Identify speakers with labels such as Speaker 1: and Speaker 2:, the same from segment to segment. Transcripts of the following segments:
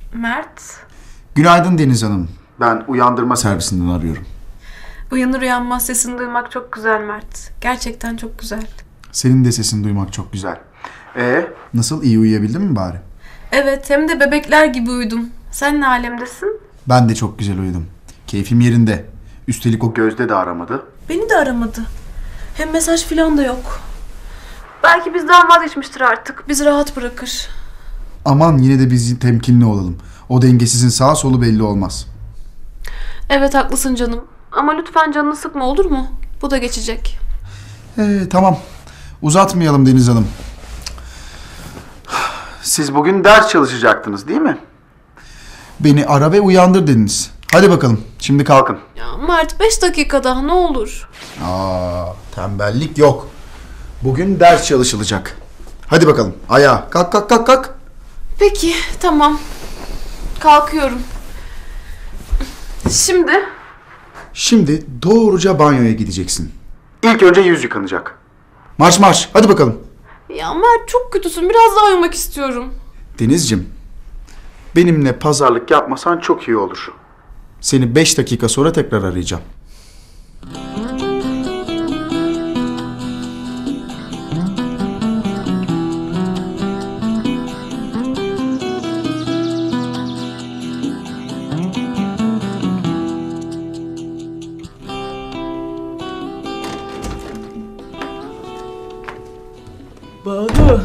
Speaker 1: Mert.
Speaker 2: Günaydın Deniz Hanım. Ben uyandırma servisinden arıyorum.
Speaker 1: Uyanır uyanmaz sesini duymak çok güzel Mert. Gerçekten çok güzel.
Speaker 2: Senin de sesini duymak çok güzel. Nasıl, iyi uyuyabildin mi bari?
Speaker 1: Evet, hem de bebekler gibi uyudum. Sen ne alemdesin?
Speaker 2: Ben de çok güzel uyudum. Keyfim yerinde. Üstelik o Gözde de aramadı.
Speaker 1: Beni de aramadı. Hem mesaj falan da yok. Belki bizden vazgeçmiştir artık. Bizi rahat bırakır.
Speaker 2: Aman yine de biz temkinli olalım. O dengesizin sağ solu belli olmaz.
Speaker 1: Evet haklısın canım. Ama lütfen canını sıkma, olur mu? Bu da geçecek.
Speaker 2: Tamam. Uzatmayalım Deniz Hanım. Siz bugün ders çalışacaktınız değil mi? Beni ara ve uyandır dediniz. Hadi bakalım. Şimdi kalkın.
Speaker 1: Ya Mert 5 dakika daha ne olur.
Speaker 2: Tembellik yok. Bugün ders çalışılacak. Hadi bakalım. Ayağa. Kalk kalk kalk kalk.
Speaker 1: Peki tamam. Kalkıyorum. Şimdi
Speaker 2: Doğruca banyoya gideceksin. İlk önce yüz yıkanacak. Marş marş. Hadi bakalım.
Speaker 1: ya Mert çok kötüsün. Biraz daha uyumak istiyorum.
Speaker 2: Denizciğim, benimle pazarlık yapmasan çok iyi olur. Seni 5 dakika sonra tekrar arayacağım.
Speaker 3: Banu.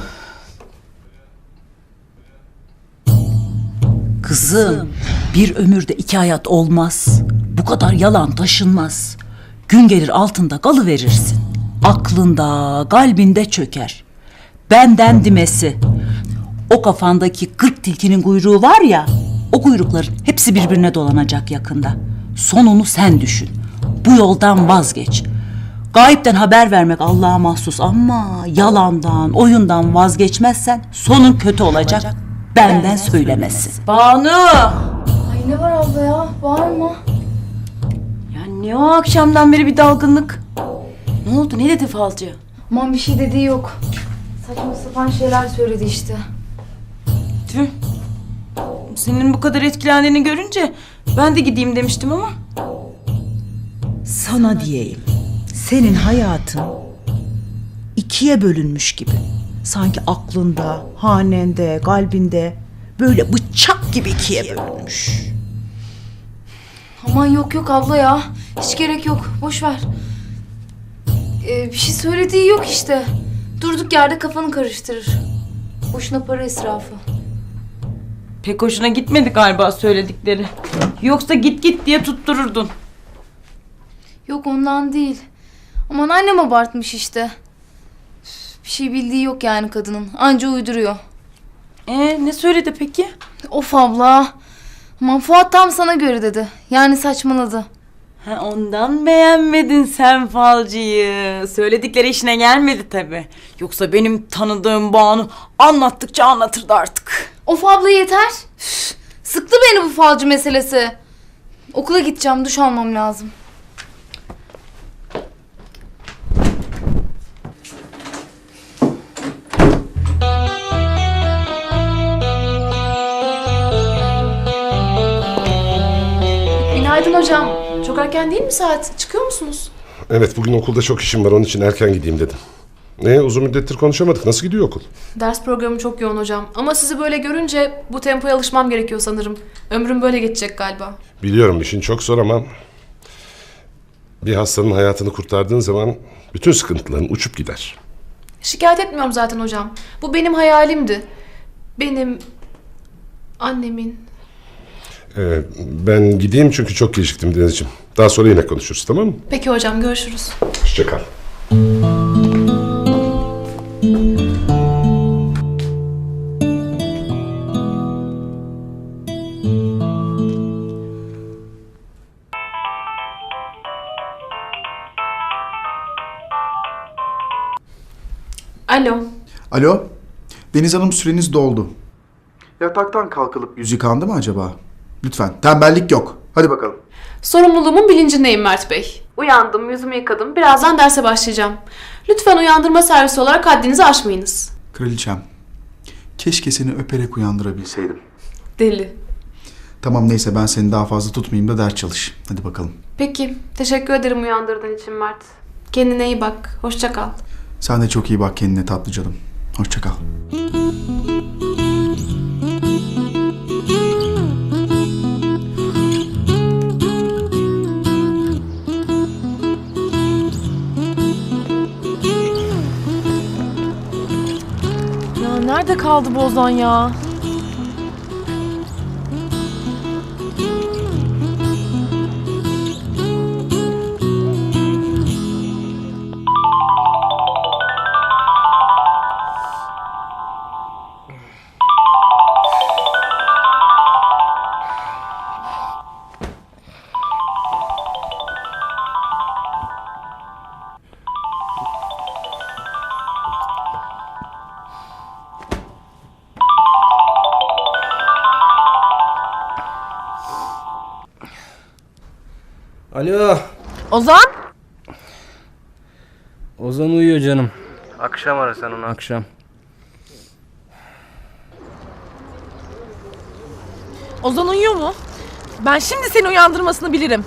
Speaker 3: Kızım, bir ömürde 2 hayat olmaz. Bu kadar yalan taşınmaz. Gün gelir altında kalıverirsin. Aklında, kalbinde çöker. Benden dimesi. O kafandaki 40 tilkinin kuyruğu var ya, o kuyrukların hepsi birbirine dolanacak yakında. Sonunu sen düşün. Bu yoldan vazgeç. Gayipten haber vermek Allah'a mahsus ama yalandan, oyundan vazgeçmezsen sonun kötü olacak. Benden söylemesi. Banu!
Speaker 4: Ay ne var abla ya? Bağırma.
Speaker 3: Ya ne o akşamdan beri bir dalgınlık? Ne oldu? Ne dedi falcı?
Speaker 4: Aman bir şey dediği yok. Saçma sapan şeyler söyledi işte.
Speaker 3: Tüh. Senin bu kadar etkilendiğini görünce ben de gideyim demiştim ama. Sana diyeyim. Senin hayatın 2'ye bölünmüş gibi. Sanki aklında, hanende, kalbinde böyle bıçak gibi 2'ye bölünmüş.
Speaker 4: Aman yok abla ya. Hiç gerek yok. Boş ver. Bir şey söylediği yok işte. Durduk yerde kafanı karıştırır. Boşuna para israfı.
Speaker 3: Pek hoşuna gitmedi galiba söyledikleri. Yoksa git diye tuttururdun.
Speaker 4: Yok ondan değil. Aman annem abartmış işte. Bir şey bildiği yok yani kadının. Anca uyduruyor.
Speaker 3: Ne söyledi peki?
Speaker 4: Of abla. Aman Fuat tam sana göre dedi. Yani saçmaladı.
Speaker 3: Ha, ondan beğenmedin sen falcıyı. Söyledikleri işine gelmedi tabii. Yoksa benim tanıdığım Banu anlattıkça anlatırdı artık.
Speaker 4: Of abla yeter. Üf, sıktı beni bu falcı meselesi. Okula gideceğim, duş almam lazım.
Speaker 1: Günaydın hocam. Çok erken değil mi saat? Çıkıyor musunuz?
Speaker 5: Evet, bugün okulda çok işim var, onun için erken gideyim dedim. Uzun müddettir konuşamadık. Nasıl gidiyor okul?
Speaker 1: Ders programı çok yoğun hocam. Ama sizi böyle görünce bu tempoya alışmam gerekiyor sanırım. Ömrüm böyle geçecek galiba.
Speaker 5: Biliyorum işin çok zor ama bir hastanın hayatını kurtardığın zaman bütün sıkıntıların uçup gider.
Speaker 1: Şikayet etmiyorum zaten hocam. Bu benim hayalimdi. Benim, annemin.
Speaker 5: Ben gideyim çünkü çok geciktim Denizciğim. Daha sonra yine konuşuruz, tamam mı?
Speaker 1: Peki hocam, görüşürüz.
Speaker 5: Hoşça kal.
Speaker 1: Alo.
Speaker 2: Alo. Deniz Hanım, süreniz doldu. Yataktan kalkılıp yüz yıkandı mı acaba? Lütfen. Tembellik yok. Hadi bakalım.
Speaker 1: Sorumluluğumun bilincindeyim Mert Bey. Uyandım, yüzümü yıkadım. Birazdan derse başlayacağım. Lütfen uyandırma servisi olarak haddinizi aşmayınız.
Speaker 2: Kraliçem. Keşke seni öperek uyandırabilseydim.
Speaker 1: Deli.
Speaker 2: Tamam neyse ben seni daha fazla tutmayayım da ders çalış. Hadi bakalım.
Speaker 1: Peki. Teşekkür ederim uyandırdığın için Mert. Kendine iyi bak. Hoşça kal.
Speaker 2: Sen de çok iyi bak kendine tatlı canım. Hoşça kal.
Speaker 6: Ya nerede kaldı bu Ozan ya?
Speaker 7: Alo.
Speaker 6: Ozan?
Speaker 7: Ozan uyuyor canım. Akşam ara sen onu akşam.
Speaker 6: Ozan uyuyor mu? Ben şimdi seni uyandırmasını bilirim.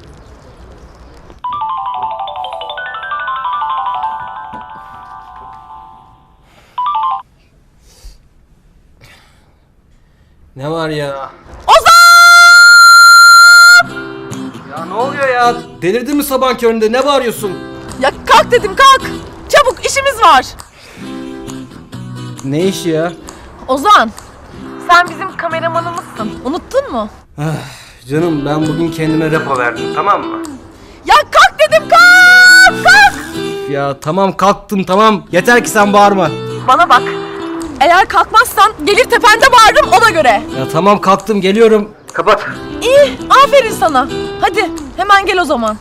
Speaker 7: Ne var ya?
Speaker 6: Ozan!
Speaker 7: Ya ne oluyor ya? Delirdin mi sabah köründe? Ne bağırıyorsun?
Speaker 6: Ya kalk dedim kalk. Çabuk işimiz var.
Speaker 7: Ne işi ya?
Speaker 6: Ozan, sen bizim kameramanımızsın. Unuttun mu?
Speaker 7: Canım ben bugün kendime repo verdim, tamam mı?
Speaker 6: Ya kalk dedim kalk kalk.
Speaker 7: Ya tamam kalktım tamam. Yeter ki sen bağırma.
Speaker 6: Bana bak. Eğer kalkmazsan gelir tepende bağırırım ona göre.
Speaker 7: Ya tamam kalktım geliyorum. Kapat.
Speaker 6: İyi, aferin sana. Hadi hemen gel o zaman.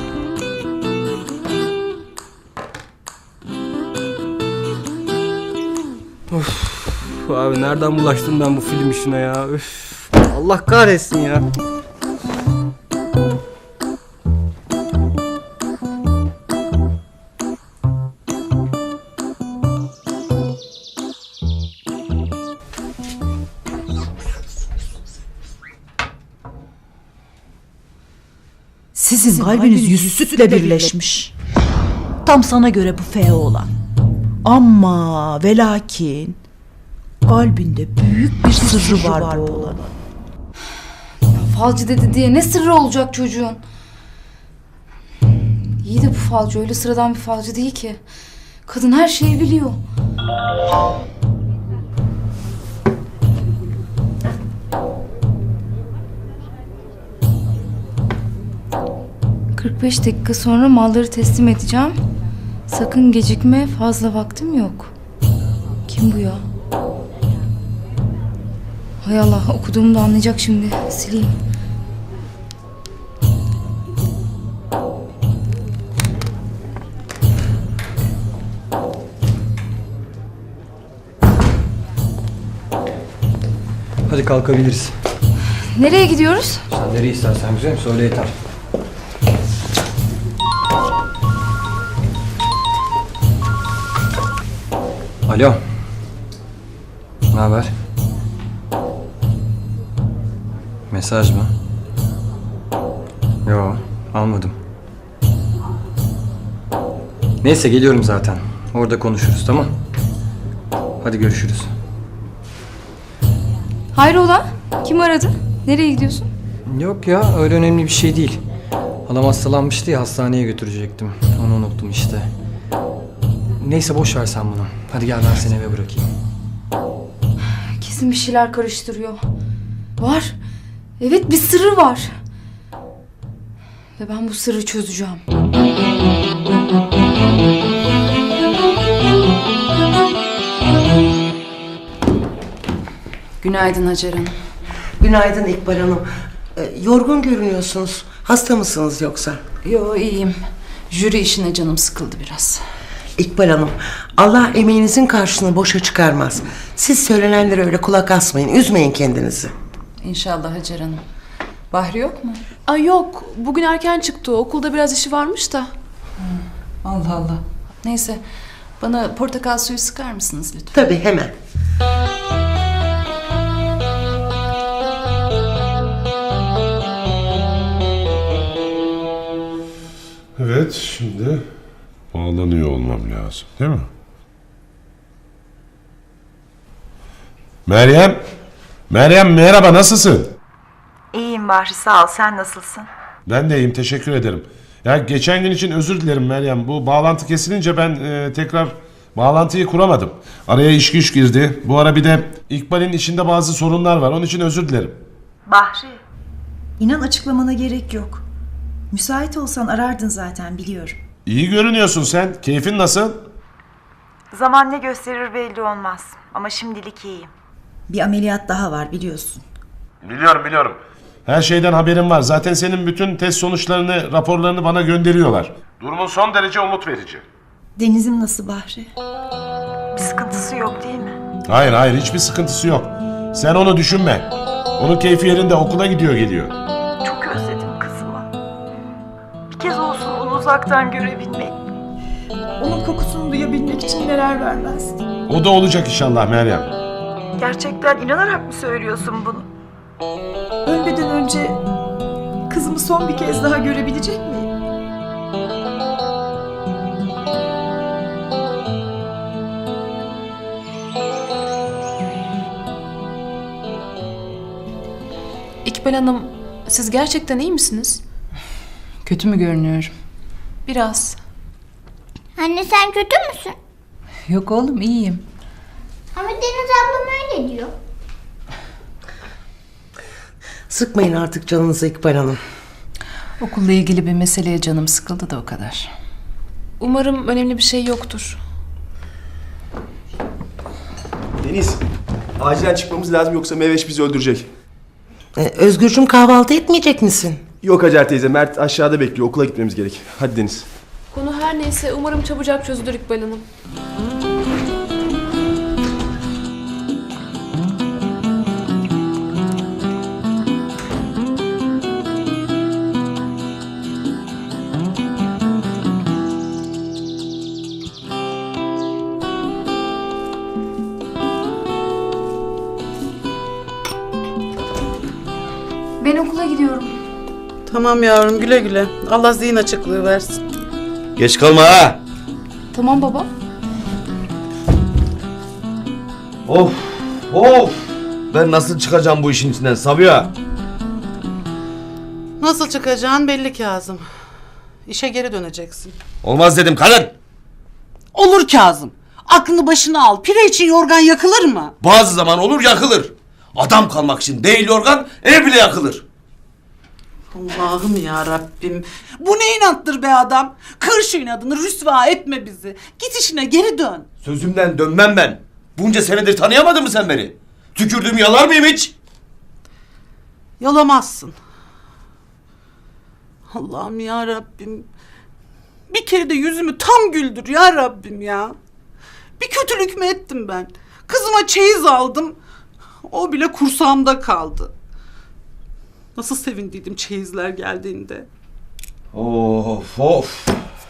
Speaker 7: Abi nereden bulaştım ben bu film işine ya? Üf. Allah kahretsin ya.
Speaker 3: Sizin kalbiniz yüz sütle birleşmiş. Tam sana göre bu feo olan. Ama ve lakin kalbinde büyük bir sırrı var bu oğlanın.
Speaker 4: Falcı dedi diye ne sırrı olacak çocuğun? İyi de bu falcı öyle sıradan bir falcı değil ki. Kadın her şeyi biliyor. ...45 dakika sonra malları teslim edeceğim. Sakın gecikme, fazla vaktim yok. Kim bu ya? Hay Allah, okuduğumu da anlayacak şimdi. Sileyim.
Speaker 7: Hadi kalkabiliriz.
Speaker 4: Nereye gidiyoruz?
Speaker 7: Sen nereye istersen güzelim söyle yeter. Alo. Ne haber? Mesaj mı? Yo, almadım. Neyse geliyorum zaten. Orada konuşuruz tamam? Hadi görüşürüz.
Speaker 4: Hayrola? Kim aradı? Nereye gidiyorsun?
Speaker 7: Yok ya öyle önemli bir şey değil. Halam hastalanmıştı ya hastaneye götürecektim. Onu unuttum işte. Neyse boş ver sen bunu. Hadi gel ben seni eve bırakayım.
Speaker 4: Kesin bir şeyler karıştırıyor. Var. Evet, bir sırrı var. Ve ben bu sırrı çözeceğim.
Speaker 8: Günaydın Hacer Hanım.
Speaker 9: Günaydın İkbal Hanım. Yorgun görünüyorsunuz. Hasta mısınız yoksa?
Speaker 8: Yo iyiyim. Jüri işine canım sıkıldı biraz.
Speaker 9: İkbal Hanım, Allah emeğinizin karşılığını boşa çıkarmaz. Siz söylenenlere öyle kulak asmayın, üzmeyin kendinizi.
Speaker 8: İnşallah Hacer Hanım. Bahri yok mu?
Speaker 1: Ay yok. Bugün erken çıktı. Okulda biraz işi varmış da.
Speaker 8: Allah Allah. Neyse. Bana portakal suyu sıkar mısınız lütfen?
Speaker 9: Tabii hemen.
Speaker 5: Evet, şimdi bağlanıyor olmam lazım, değil mi? Meryem! Meryem merhaba, nasılsın?
Speaker 10: İyiyim Bahri, sağ ol. Sen nasılsın?
Speaker 5: Ben de iyiyim, teşekkür ederim. Ya geçen gün için özür dilerim Meryem. Bu bağlantı kesilince ben tekrar bağlantıyı kuramadım. Araya iş güç girdi. Bu ara bir de İkbal'in işinde bazı sorunlar var. Onun için özür dilerim.
Speaker 10: Bahri,
Speaker 11: İnan açıklamana gerek yok. Müsait olsan arardın zaten biliyorum.
Speaker 5: İyi görünüyorsun sen. Keyfin nasıl?
Speaker 10: zaman ne gösterir belli olmaz. Ama şimdilik iyiyim.
Speaker 11: Bir ameliyat daha var biliyorsun.
Speaker 5: Biliyorum. Her şeyden haberim var. Zaten senin bütün test sonuçlarını, raporlarını bana gönderiyorlar. Durumun son derece umut verici.
Speaker 11: Deniz'im nasıl Bahri?
Speaker 10: Bir sıkıntısı yok değil mi?
Speaker 5: Hayır, hiçbir sıkıntısı yok. Sen onu düşünme. Onun keyfi yerinde, okula gidiyor geliyor.
Speaker 10: Çok özledim kızımı. Bir kez olsun onu uzaktan görebilmek.
Speaker 11: Onun kokusunu duyabilmek için neler vermezdim.
Speaker 5: O da olacak inşallah Meryem.
Speaker 10: Gerçekten inanarak mı söylüyorsun bunu?
Speaker 11: Ölmeden önce kızımı son bir kez daha görebilecek miyim?
Speaker 1: İkbal Hanım, siz gerçekten iyi misiniz?
Speaker 8: Kötü mü görünüyorum?
Speaker 1: Biraz.
Speaker 12: Anne sen kötü müsün?
Speaker 8: Yok oğlum, iyiyim.
Speaker 12: Ama Deniz ablam öyle diyor.
Speaker 9: Sıkmayın artık canınızı İkbal Hanım.
Speaker 8: Okulla ilgili bir meseleye canım sıkıldı da o kadar.
Speaker 1: Umarım önemli bir şey yoktur.
Speaker 13: Deniz, acilen çıkmamız lazım yoksa Meveş bizi öldürecek.
Speaker 9: Özgürcüm kahvaltı etmeyecek misin?
Speaker 13: Yok Hacer teyze, Mert aşağıda bekliyor. Okula gitmemiz gerek. Hadi Deniz.
Speaker 1: Konu her neyse umarım çabucak çözülür İkbal Hanım.
Speaker 4: Ben okula gidiyorum.
Speaker 14: Tamam yavrum, güle güle. Allah zihin açıklığı versin.
Speaker 13: Geç kalma ha!
Speaker 4: Tamam baba.
Speaker 13: Of! Ben nasıl çıkacağım bu işin içinden Sabiha?
Speaker 14: Nasıl çıkacağın belli Kazım. İşe geri döneceksin.
Speaker 13: Olmaz dedim kadın!
Speaker 14: Olur Kazım. Aklını başına al. Pire için yorgan yakılır mı?
Speaker 13: Bazı zaman olur yakılır. Adam kalmak için değil yorgan, ev bile yakılır.
Speaker 14: Allah'ım ya Rabbim. Bu ne inattır be adam? Kır şu inadını, rüsva etme bizi. Git işine geri dön.
Speaker 13: Sözümden dönmem ben. Bunca senedir tanıyamadın mı sen beni? Tükürdüğümü yalar mıyım hiç?
Speaker 14: Yalamazsın. Allah'ım ya Rabbim. Bir kere de yüzümü tam güldür ya Rabbim ya. Bir kötülük mü ettim ben? Kızıma çeyiz aldım. O bile kursağımda kaldı. Nasıl sevindiydim çeyizler geldiğinde.
Speaker 13: Of!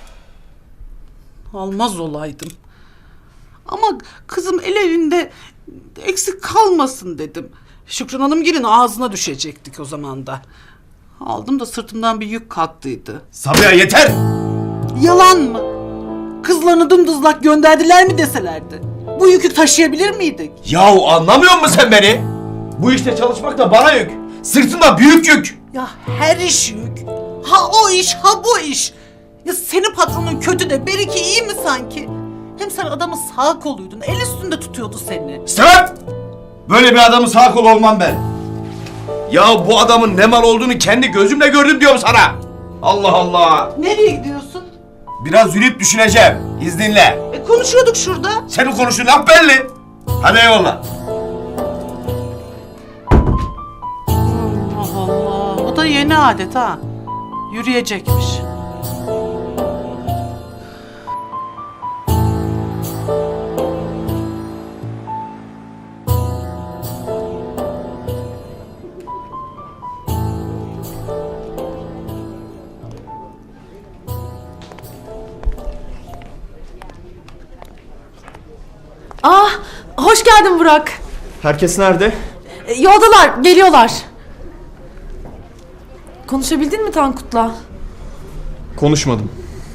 Speaker 14: Almaz olaydım. Ama kızım el evinde eksik kalmasın dedim. Şükran Hanımgil'in ağzına düşecektik o zaman da. Aldım da sırtımdan bir yük kalktıydı.
Speaker 13: Sabiha yeter!
Speaker 14: Yalan mı? Kızlarını dımdızlak gönderdiler mi deselerdi? Bu yükü taşıyabilir miydik?
Speaker 13: Yahu anlamıyor musun sen beni? Bu işte çalışmak da bana yük. Sırtımda büyük yük.
Speaker 14: Ya her iş yük. Ha o iş, ha bu iş. Ya senin patronun kötü de Beriki iyi mi sanki? Hem sen adamın sağ koluydun. El üstünde tutuyordu seni.
Speaker 13: İstemem! Böyle bir adamın sağ kolu olmam ben. Ya bu adamın ne mal olduğunu kendi gözümle gördüm diyorum sana. Allah Allah.
Speaker 14: Nereye gidiyorsun?
Speaker 13: Biraz yürüyüp düşüneceğim. İzninle.
Speaker 14: Konuşuyorduk şurada.
Speaker 13: Senin konuştuğun laf belli. Hadi eyvallah.
Speaker 14: Allah Allah. O da yeni adet ha. Yürüyecekmiş.
Speaker 1: Hoş geldin Burak.
Speaker 13: Herkes nerede?
Speaker 1: Yoldalar, geliyorlar. Konuşabildin mi Tankut'la?
Speaker 13: Konuşmadım.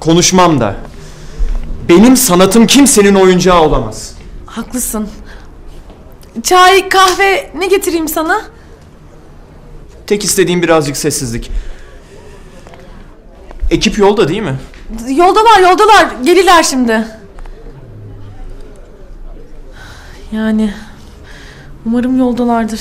Speaker 7: Konuşmam da. Benim sanatım kimsenin oyuncağı olamaz.
Speaker 6: Haklısın. Çay, kahve ne getireyim sana?
Speaker 7: Tek istediğim birazcık sessizlik. Ekip yolda değil mi?
Speaker 6: Yoldalar. Gelirler şimdi. Yani umarım yoldalardır.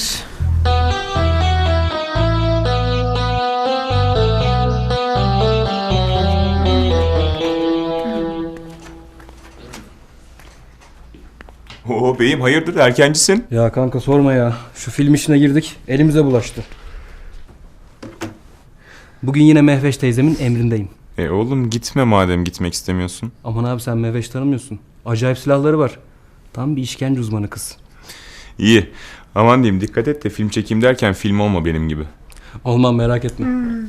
Speaker 15: Oo beyim hayırdır erkencisin?
Speaker 16: Ya kanka sorma ya. Şu film işine girdik. Elimize bulaştı. Bugün yine Mehveş teyzemin emrindeyim.
Speaker 15: Oğlum gitme madem gitmek istemiyorsun.
Speaker 16: Aman abi sen Mehveş tanımıyorsun. Acayip silahları var. Tam bir işkence uzmanı kız.
Speaker 15: İyi. Aman diyeyim dikkat et de film çekeyim derken film olma benim gibi.
Speaker 16: Olmam merak etme.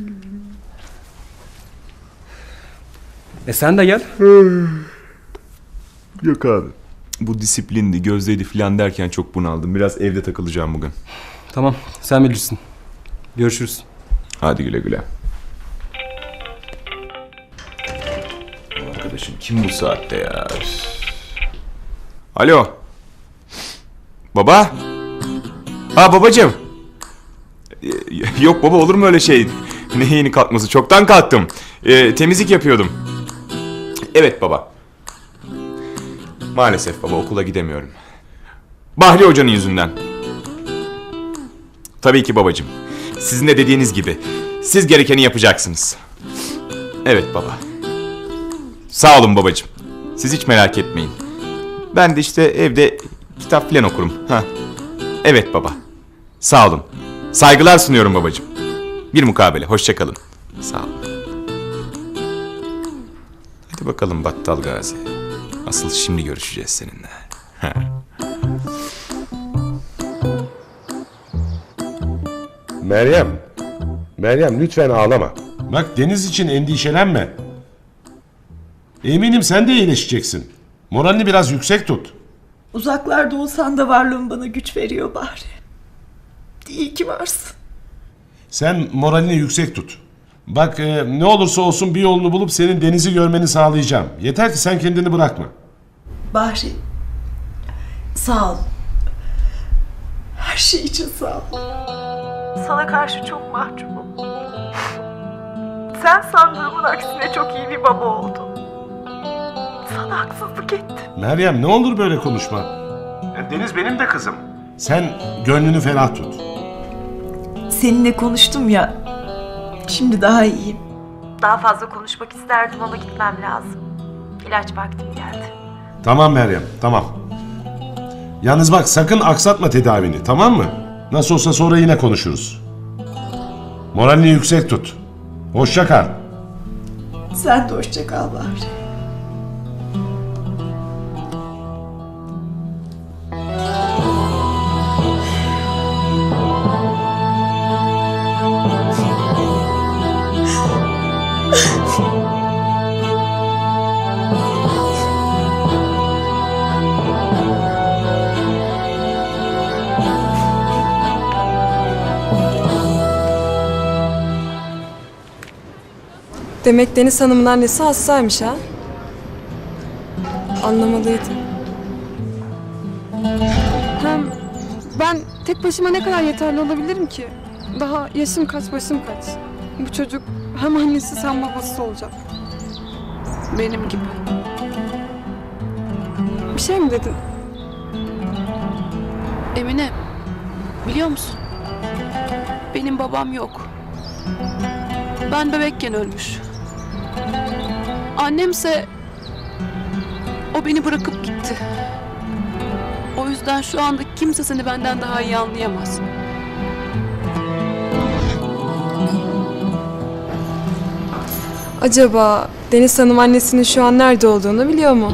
Speaker 16: Sen de gel.
Speaker 15: Yok abi. Bu disiplindi, gözdeydi filan derken çok bunaldım. Biraz evde takılacağım bugün.
Speaker 16: Tamam sen bilirsin. Görüşürüz.
Speaker 15: Hadi güle güle. Arkadaşım kim bu saatte ya? Alo. Baba? Ha babacığım. Yok baba olur mu öyle şey? Ne yeni kalkması? Çoktan kalktım. Temizlik yapıyordum. Evet baba. Maalesef baba okula gidemiyorum. Bahri Hoca'nın yüzünden. Tabii ki babacığım. Sizin de dediğiniz gibi. Siz gerekeni yapacaksınız. Evet baba. Sağ olun babacığım. Siz hiç merak etmeyin. Ben de işte evde kitap filan okurum. Ha. Evet baba. Sağ olun. Saygılar sunuyorum babacığım. Bir mukabele. Hoşça kalın. Sağ olun. Hadi bakalım Battal Gazi. Asıl şimdi görüşeceğiz seninle.
Speaker 5: Meryem lütfen ağlama. Bak Deniz için endişelenme. Eminim sen de iyileşeceksin. Moralini biraz yüksek tut.
Speaker 11: Uzaklarda olsan da varlığın bana güç veriyor bari. İyi ki varsın.
Speaker 5: Sen moralini yüksek tut. Bak ne olursa olsun bir yolunu bulup senin Deniz'i görmeni sağlayacağım. Yeter ki sen kendini bırakma.
Speaker 11: Bahri, sağ ol. Her şey için sağ ol.
Speaker 10: Sana karşı çok mahcubum. Sen sandığımın aksine çok iyi bir baba oldun. Sana haksızlık ettim.
Speaker 5: Meryem ne olur böyle konuşma. Deniz benim de kızım. Sen gönlünü ferah tut.
Speaker 11: Seninle konuştum ya, şimdi daha iyiyim.
Speaker 10: Daha fazla konuşmak isterdim ama gitmem lazım. İlaç vaktim geldi.
Speaker 5: Tamam Meryem, tamam. Yalnız bak sakın aksatma tedavini, tamam mı? Nasıl olsa sonra yine konuşuruz. Moralini yüksek tut. Hoşça kal.
Speaker 11: Sen de hoşça kal Bahri.
Speaker 6: Demek Deniz Hanım'ın annesi hastaymış ha? Anlamalıydım. Hem ben tek başıma ne kadar yeterli olabilirim ki? Daha yaşım kaç başım kaç. Bu çocuk hem annesi hem babası olacak. Benim gibi. Bir şey mi dedin?
Speaker 1: Emine, biliyor musun? Benim babam yok. Ben bebekken ölmüş. Annemse o beni bırakıp gitti. O yüzden şu anda kimse seni benden daha iyi anlayamaz.
Speaker 6: Acaba Deniz Hanım annesinin şu an nerede olduğunu biliyor mu?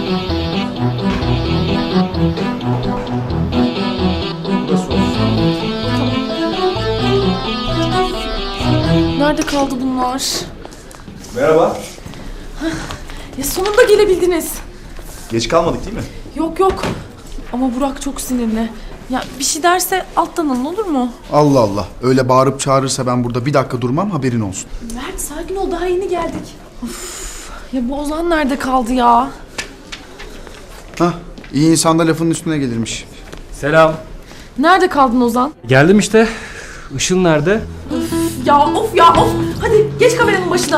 Speaker 6: Nerede kaldı bunlar?
Speaker 2: Merhaba.
Speaker 6: Ya sonunda gelebildiniz.
Speaker 2: Geç kalmadık değil mi?
Speaker 6: Yok. Ama Burak çok sinirli. Ya bir şey derse alttan alın olur mu?
Speaker 2: Allah Allah. Öyle bağırıp çağırırsa ben burada bir dakika durmam, haberin olsun.
Speaker 6: Mert sakin ol, daha yeni geldik. Of.
Speaker 17: Ya bu Ozan nerede kaldı ya?
Speaker 2: Hah, iyi insan da lafının üstüne gelirmiş.
Speaker 16: Selam.
Speaker 17: Nerede kaldın Ozan?
Speaker 16: Geldim işte. Işıl nerede?
Speaker 17: Ya of ya of. Hadi geç kameranın başına.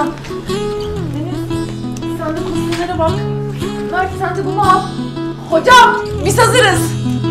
Speaker 17: Deniz sen de kostümlere bak. Mert sen de bunu al. Hocam biz hazırız.